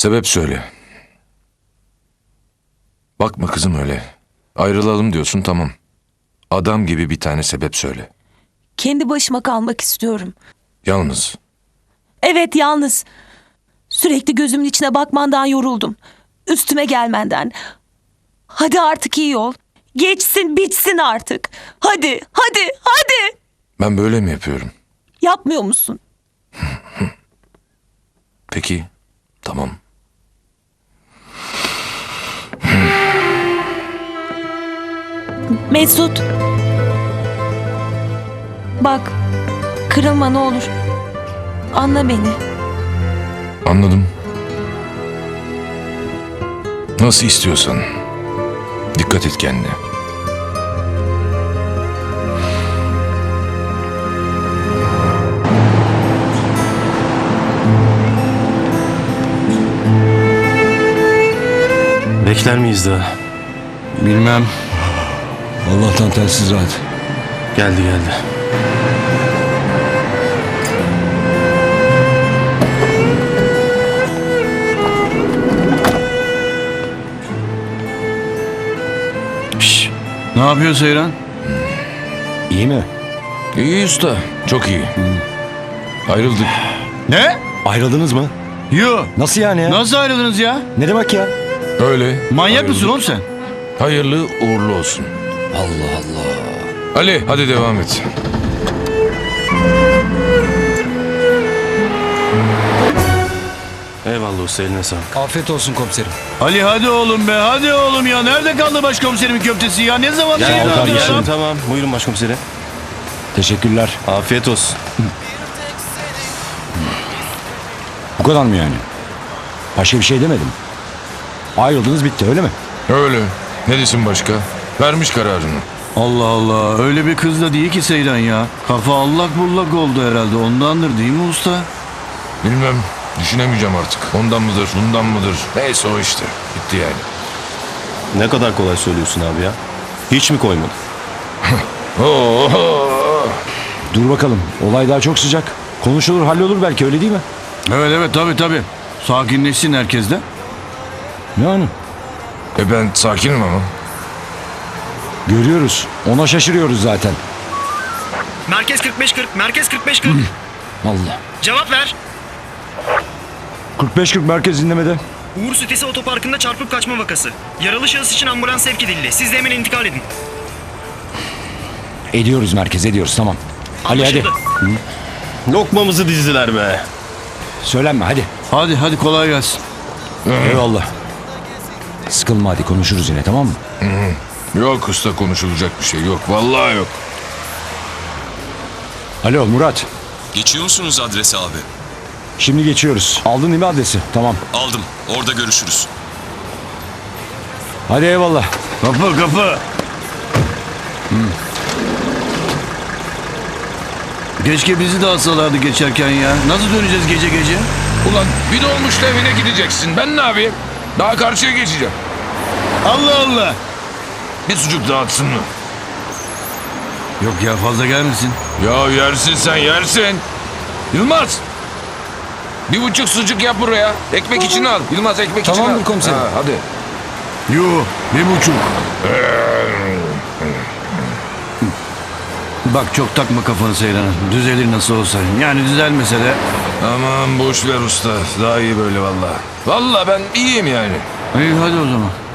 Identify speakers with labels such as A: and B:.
A: Sebep söyle. Bakma kızım öyle. Ayrılalım diyorsun, tamam. Adam gibi bir tane sebep söyle.
B: Kendi başıma kalmak istiyorum.
A: Yalnız.
B: Evet, yalnız. Sürekli gözümün içine bakmandan yoruldum. Üstüme gelmenden. Hadi artık iyi ol. Geçsin bitsin artık. Hadi, hadi, hadi.
A: Ben böyle mi yapıyorum?
B: Yapmıyor musun?
A: Peki, tamam.
B: Mesut. Bak, kırılma ne olur. Anla beni.
A: Anladım. Nasıl istiyorsan. Dikkat et kendine.
C: Bekler miyiz daha?
D: Bilmem. Allah'tan telsiz rahat.
C: Geldi.
D: Şşş. Ne yapıyor Seyran? İyi mi?
A: İyi usta, çok iyi. Ayrıldık.
D: Ne?
E: Ayrıldınız mı?
D: Yo.
E: Nasıl yani ya?
D: Nasıl ayrıldınız ya?
E: Ne demek ya?
A: Öyle.
D: Manyak
A: ayrıldık.
D: mısın oğlum sen?
A: Hayırlı uğurlu olsun.
E: Allah Allah.
A: Ali, hadi devam et.
C: Eyvallah usta, eline sağlık.
E: Afiyet olsun komiserim.
D: Ali hadi oğlum be, hadi oğlum ya. Nerede kaldı başkomiserimin köftesi ya? Ne zaman
E: Gel
D: yayınlandı
E: kardeşim.
D: ya?
C: Tamam, buyurun başkomiserim.
E: Teşekkürler.
C: Afiyet olsun.
E: Bu kadar mı yani? Başka bir şey demedim. Ayrıldınız bitti öyle mi?
A: Öyle. Ne desin başka? Vermiş kararını.
D: Allah Allah, öyle bir kız da değil ki Seyran ya. Kafa allak bullak oldu herhalde, ondandır değil mi usta?
A: Bilmem. Düşünemeyeceğim artık. Ondan mıdır, bundan mıdır? Neyse o işte. Bitti yani.
C: Ne kadar kolay söylüyorsun abi ya. Hiç mi koymadın?
A: Oo.
E: Dur bakalım. Olay daha çok sıcak. Konuşulur hallolur belki öyle değil mi?
D: Evet tabii. Sakinleşsin herkes de.
E: Yani
A: Ben sakinim ama.
E: görüyoruz. Ona şaşırıyoruz zaten.
F: Merkez 45-40, merkez 45-40.
E: Allah.
F: Cevap ver.
E: 45-40 merkez dinlemede.
F: Uğur Sütesi Otoparkı'nda çarpıp kaçma vakası. Yaralı şahıs için ambulans sevk edildi. Siz de hemen intikal edin.
E: Ediyoruz merkez ediyoruz tamam. Ali hadi.
F: Anlaşıldı.
C: Lokmamızı dizdiler be.
E: Söylenme hadi.
D: Hadi kolay gelsin.
E: Eyvallah. Sıkılma hadi konuşuruz yine tamam mı?
A: Yok usta, konuşulacak bir şey yok. Vallahi yok.
E: Alo Murat.
G: Geçiyor musunuz adrese abi?
E: Şimdi geçiyoruz. Aldın değil mi adresi? Tamam.
G: Aldım. Orada görüşürüz.
E: Hadi eyvallah.
D: Kapı. Keşke bizi de alsalardı geçerken ya. Nasıl döneceğiz gece?
A: Ulan bir dolmuşla evine gideceksin. Ben ne yapayım? Daha karşıya geçeceğim.
D: Allah.
A: Bir sucuk dağıtsın mı?
D: Yok ya, fazla gelmesin.
A: Ya yersin sen, yersin. Yılmaz. 1,5 sucuk yap buraya. Ekmek için al. Yılmaz, ekmek için al.
E: Tamamdır komiserim.
A: Ha, hadi.
D: Yo, 1,5. Bak çok takma kafanı Seyran. Düzelir nasıl olsa. Yani düzelmese de.
A: Aman boş ver usta. Daha iyi böyle vallahi. Vallahi ben iyiyim yani.
D: İyi hadi o zaman.